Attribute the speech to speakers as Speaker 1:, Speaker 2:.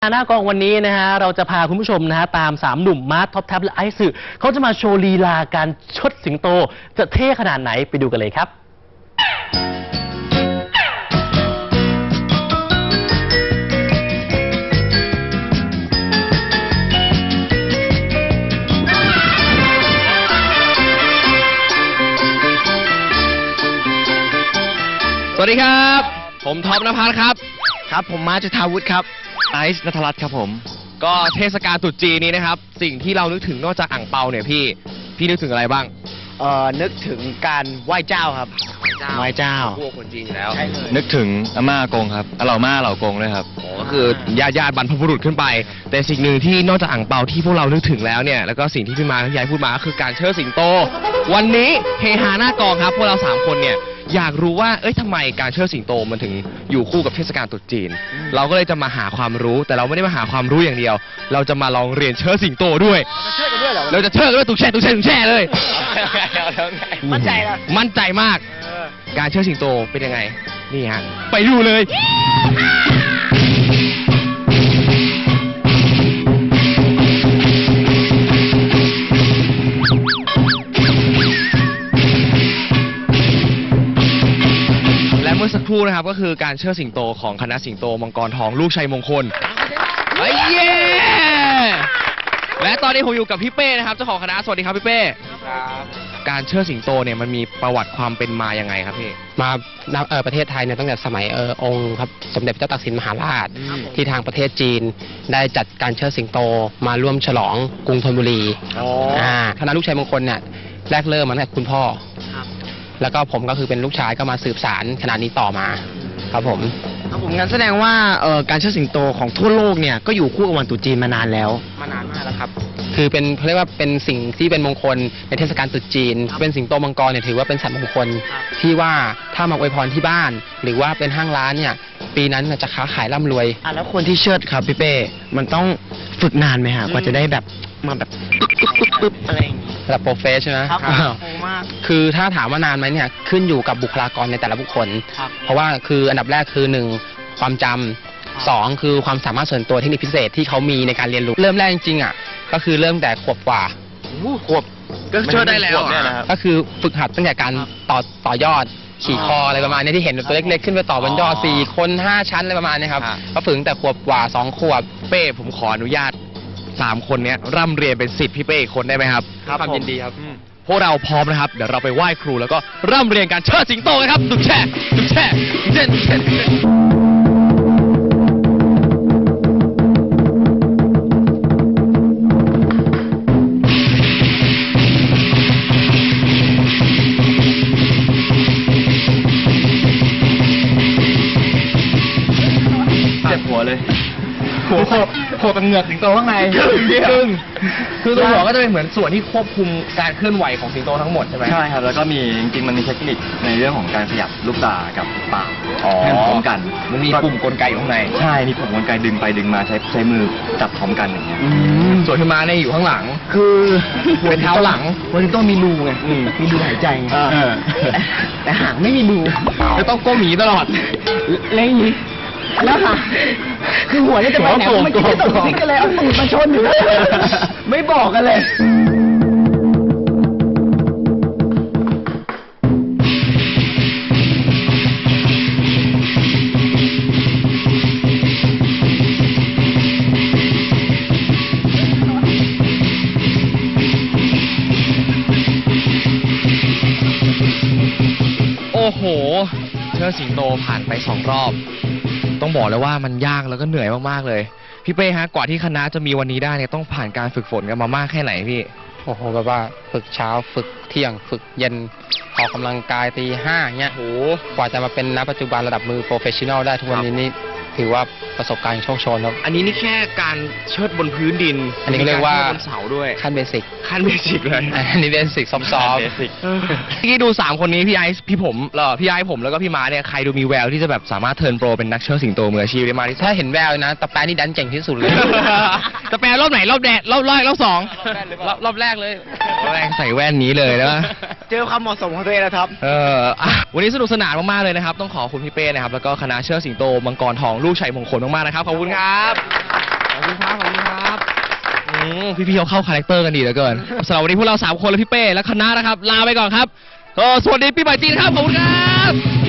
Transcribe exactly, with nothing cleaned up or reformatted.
Speaker 1: หน้ากองวันนี้นะฮะเราจะพาคุณผู้ชมนะฮะตามสามหนุ่มมาร์ทท็อปแท็บและไอซ์สึเขาจะมาโชว์ลีลาการชดสิงโตจะเท่ขนาดไหนไปดูกันเลยครับ
Speaker 2: สวัสดีครับผมท็อปณภัสครับ
Speaker 3: ครับผมมาร์ทจุฑาวุฒิครับไอซ์ณัฐรัตน์ครับผม
Speaker 2: ก็เทศกาลตรุษจีนนี้นะครับสิ่งที่เรานึกถึงนอกจากอ่างเปาเนี่ยพี่พี่นึกถึงอะไรบ้าง
Speaker 3: เอ่อนึกถึงการไหว้เจ้าครับไหว้เจ้าไหว้เจ้า
Speaker 2: พวกคนจีนอยู่แล้ว
Speaker 4: นึกถึงอาม่ากงครับอาเหล่าม่าเหล่ากงด้วยครับ
Speaker 2: ก็คือญาติญาติบรรพบุรุษขึ้นไปแต่สิ่งหนึ่งที่นอกจากอ่างเปาที่พวกเรานึกถึงแล้วเนี่ยแล้วก็สิ่งที่พี่มาพี่ยายพูดมาก็คือการเชิดสิงโตวันนี้เฮฮาหน้ากองครับพวกเราสามคนเนี่ยอยากรู้ว่าเอ้ยทำไมการเชิดสิงโตมันถึงอยู่คู่กับเทศกาลตรุษจีนเราก็เลยจะมาหาความรู้แต่เราไม่ได้มาหาความรู้อย่างเดียวเราจะมาลองเรียนเชิดสิงโตด้วยเราจะเชิดกันด้วยตุกแช่ตุกแช่ตุกแช่เลย
Speaker 3: มั่นใจเหรอ
Speaker 2: มั่นใจมากการเชิดสิงโตเป็นยังไงนี่ฮะไปดูเลยและเมื่อสักครู่นะครับก็คือการเชิดสิงโตของคณะสิงโตมังกรทองลูกชัยมงคลเฮ้ยเย้และตอนนี้ผมอยู่กับพี่เป้นะครับเจ้าของคณะสวัสดีครับพี่เป้ครับการเชิดสิงโตเนี่ยมันมีประวัติความเป็นมายังไงครับพี่
Speaker 5: มาเออประเทศไทยเนี่ยตั้งแต่สมัยเออองค์ครับสมเด็จพระเจ้าตากสินมหาราชที่ทางประเทศจีนได้จัดการเชิดสิงโตมาร่วมฉลองกรุงธนบุรีอ่าคณะลูกชัยมงคลเนี่ยแรกเริ่มมาตั้งแต่คุณพ่อแล้วก็ผมก็คือเป็นลูกชายก็มาสืบสานคณะนี้ต่อมาครับผม
Speaker 3: ครับผมงั้นแสดงว่าเอ่อการเชิดสิงโตของทั่วโลกเนี่ยก็อยู่คู่กับวันตรุษจีนมานานแล้ว
Speaker 5: มานานมากแล้วครับคือเป็นเขาเรียกว่าเป็นสิ่งที่เป็นมงคลในเทศกาลตรุษจีนเป็นสิงโตมังกรเนี่ยถือว่าเป็นสัตว์มงคลที่ว่าถ้ามาอวยพรที่บ้านหรือว่าเป็นห้างร้านเนี่ยปีนั้นจะค้าขายร่ำรวย
Speaker 3: อ่ะแล้วคนที่เชิดครับพี่เป้มันต้องฝึกนานไหมฮะกว่าจะได้แบบมาแบบปึ๊บปึ๊บปึ๊บอะไรอย่างงี้
Speaker 5: ระดับโปรเฟสใช่ไหม
Speaker 3: ครับมาก
Speaker 5: คือถ้าถามว่านานไหมเนี่ยขึ้นอยู่กับบุคลากรในแต่ละบุคคลเพราะว่าคืออันดับแรกคือหนึ่งความจำสองคือความสามารถส่วนตัวเทคนิคพิเศษที่เขามีในการเรียนรู้เริ่มแรกจริงๆอ่ะก็คือเริ่มแต่ขวบกว่า
Speaker 3: ขวบ
Speaker 2: ก็เชิดได้แล้ว
Speaker 5: ก็คือฝึกหัดตั้งแต่การต่อต่อยอดขี่คออะไรประมาณนี้ที่เห็นตัวเล็กๆขึ้นไปต่อบนยอดสี่คนห้าชั้นอะไรประมาณนี้ครับก็ฝึกแต่ขวบกว่าสองขวบ
Speaker 2: เป้ผมขออนุญาตสามคนนี้ร่ำเรียนเป็นศิษย์พี่เป้อีกคนได้ไหมครับ
Speaker 5: ความยินดีครับ
Speaker 2: พวกเราพร้อมนะครับเดี๋ยวเราไปไหว้ครูแล้วก็ร่ำเรียนการเชิดสิงโตกันครับตุกแช่ตุกแช่เด่นเด่น
Speaker 4: เจ็บหัวเลย
Speaker 2: หัวโขกโขกเป็นเหงือกสิงโตข้างในซึ่งคือตัวหัวก็จะเป็นเหมือนส่วนที่ควบคุมการเคลื่อนไหวของสิงโตทั้งหมดใช่ไหม
Speaker 4: ใช่ครับแล้วก็มีจริงๆมันมีเทคนิคในเรื่องของการขยับลูกตากับปากให้พร้อมกัน
Speaker 2: มันมีปุ่มกลไกอยู่ข้างใน
Speaker 4: ใช่มีปุ่มกลไกดึงไปดึงมาใช้ใช้มือจับพร้อมกันอย่างเงี้ย
Speaker 2: ส่วนที่มาเนี่ยอยู่ข้างหลัง
Speaker 3: คือ
Speaker 2: เป็นเท้าหลัง
Speaker 3: มันต้องมีรูไงมีรูหายใจไงแต่หางไม่มีรู
Speaker 2: จะต้องก้มหนีตลอด
Speaker 3: เล่นอย่างนี้แล้วค่ะคือหัวนี่จะไปไหนไม่คิดจะตกซิกกันเลยเอาตูดมาชนอยู่ไม่บอกกันเลย
Speaker 2: โอ้โหเชิดสิงโตผ่านไปสองรอบต้องบอกเลยว่ามันยากแล้วก็เหนื่อยมากๆเลยพี่เป้ฮะกว่าที่คณะจะมีวันนี้ได้เนี่ยต้องผ่านการฝึกฝนกันมามากแค่ไหนพี่
Speaker 5: โอ้โหแบบว่าฝึกเช้าฝึกเที่ยงฝึกเย็นออกกำลังกายตีห้าเงี้ยโอ้กว่าจะมาเป็นณปัจจุบันระดับมือโปรเฟชชั่นอลได้ทุกวันนี้นี่ถือว่าประสบการณ์โชคโชนครับ
Speaker 2: อันนี้นี่แค่การเชิดบนพื้นดิน
Speaker 5: อันนี้เรียกว่า
Speaker 2: บนเสาด้วย
Speaker 5: ขั้นเบสิก
Speaker 2: ขั้นเบสิกเลย
Speaker 5: อันนี้เบสิกซอฟต์
Speaker 2: เมื่อกี้ดูสามคนนี้พี่ไอซ์พี่ผมแล้วพี่ไอซ์ผมแล้วก็พี่ม้าเนี่ยใครดูมีแววที่จะแบบสามารถเทิร์นโปรเป็นนักเชิดสิงโตมืออาชีพได้มากที่สุด
Speaker 5: ถ้าเห็นแววนะตะแปรนี่ดันเก่งที่สุดเลย
Speaker 2: ตะแปรรอบไหนรอบแรกรอบแรกรอบสองรอบแรกเลยรอบแรกใส่แว่นนี้เลยนะ
Speaker 3: เจอความเหมาะสมของตัวเองนะครับ
Speaker 2: เออวันนี้สนุกสนานมากๆเลยนะครับต้องขอขอบคุณพี่เป้นะครับแล้วก็คณะเชิดสิงโตมังกรทองลูกชัยมงคลมากๆนะครับขอบคุณครับพี่ๆเขาเข้าคาแรคเตอร์กันดีเหลือเกินสำหรับวันนี้พวกเราสามคนและพี่เป้และคณะนะครับ ลาไปก่อนครับก็สวัสดีปีใหม่จีนครับขอบคุณครับ